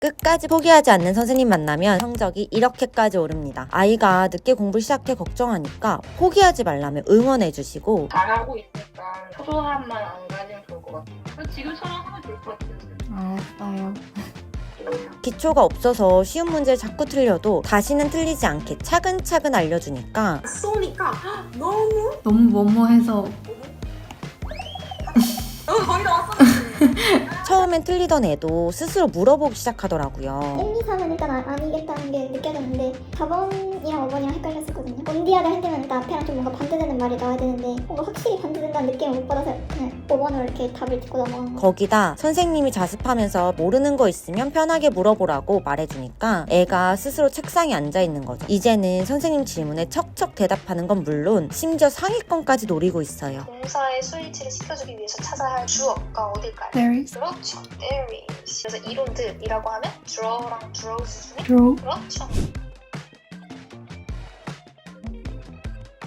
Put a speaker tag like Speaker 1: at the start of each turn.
Speaker 1: 끝까지 포기하지 않는 선생님 만나면 성적이 이렇게까지 오릅니다. 아이가 늦게 공부 시작해 걱정하니까 포기하지 말라며 응원해주시고
Speaker 2: 잘하고 있으니까 초조함만 안 가지면 좋을 것 같아요. 지금처럼 하면 좋을 것 같아요.
Speaker 3: 알았어요.
Speaker 1: 기초가 없어서 쉬운 문제를 자꾸 틀려도 다시는 틀리지 않게 차근차근 알려주니까
Speaker 4: 쏘니까 너무
Speaker 3: 너무 뭐뭐해서
Speaker 4: 거의 다 왔었는데
Speaker 1: 처음엔 틀리던 애도 스스로 물어보기 시작하더라고요.
Speaker 5: 1, 2, 3은 일단 아니겠다는 게 느껴졌는데 4번이랑 5번이랑 헷갈렸었거든요. 온디아를 할 때는 일단 앞에랑 좀 뭔가 반대되는 말이 나와야 되는데 뭔가 확실히 반대된다는 느낌을 못 받아서 그냥 5번으로 이렇게 답을 듣고 넘어간 거.
Speaker 1: 거기다 선생님이 자습하면서 모르는 거 있으면 편하게 물어보라고 말해주니까 애가 스스로 책상에 앉아있는 거죠. 이제는 선생님 질문에 척척 대답하는 건 물론 심지어 상위권까지 노리고 있어요.
Speaker 6: 동사의 수일치를 시켜주기 위해서 찾아야 할 주어가 어딜까요?
Speaker 3: There is,
Speaker 6: 그렇죠. There is. 그래서 이론들이라고 하면 draw랑 draws 중에
Speaker 3: draw,
Speaker 6: 그렇죠.